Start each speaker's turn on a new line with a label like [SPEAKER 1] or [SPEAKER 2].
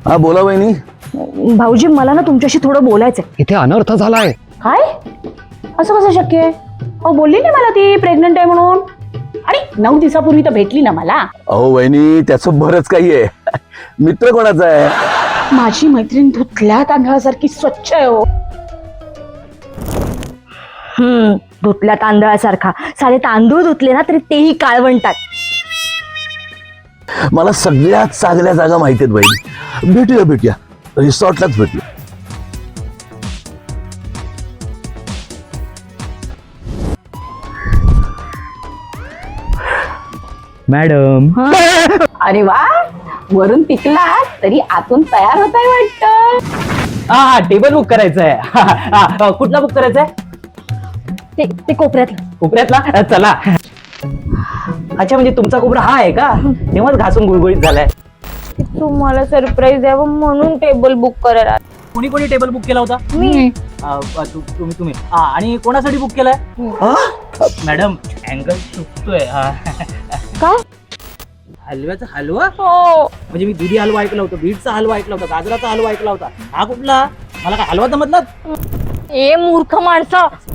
[SPEAKER 1] हा बोला वहिनी.
[SPEAKER 2] भाऊजी मला ना तुमच्याशी थोडं बोलायचंय.
[SPEAKER 3] इथे अनर्थ झालाय.
[SPEAKER 2] काय असं कसं शक्य आहे? अहो बोलली नाही मला ती प्रेग्नंट आहे म्हणून. आणि 9 दिवसापूर्वी तर भेटली ना मला.
[SPEAKER 1] अहो वहिनी त्याचं बरंच काही आहे. मित्र कोणाचा आहे?
[SPEAKER 2] माझी मैत्रीण धुतल्या तांदळासारखी स्वच्छ आहे हो. धुतल्या तांदळासारखा. सारे तांदूळ धुतले ना तरी तेही काळवंटात.
[SPEAKER 1] मला सगळ्यात चांगल्या जागा माहिती आहेत वहिनी. भेटूया रिसॉर्टलाच भेटूया.
[SPEAKER 3] मॅडम
[SPEAKER 2] अरे वा, वरून पिकला तरी आतून तयार होताय वाटत.
[SPEAKER 3] हा टेबल बुक करायचंय. कुठला बुक करायचंय?
[SPEAKER 2] ते कोपऱ्यातलं.
[SPEAKER 3] कोपऱ्यातला. चला. अच्छा म्हणजे तुमचा कोपरा हा आहे का? तेव्हाच घासून गुळगुळीत झालाय.
[SPEAKER 2] तुम्हाला सरप्राईज द्यावं म्हणून टेबल बुक करायला.
[SPEAKER 3] कोणी कोणी टेबल बुक केला होता?
[SPEAKER 2] मी.
[SPEAKER 3] तुम्ही आणि कोणासाठी बुक केलाय? मॅडम अँगल चुकतोय.
[SPEAKER 2] काय?
[SPEAKER 3] हलव्याचा हलवा?
[SPEAKER 2] हो.
[SPEAKER 3] म्हणजे मी दुधी हलवा ऐकला होता, बीटचा हलवा ऐकला होता, गाजराचा हलवा ऐकला होता. हा कुठला? मला काय हलवा जमतला?
[SPEAKER 2] ए मूर्ख माणसा,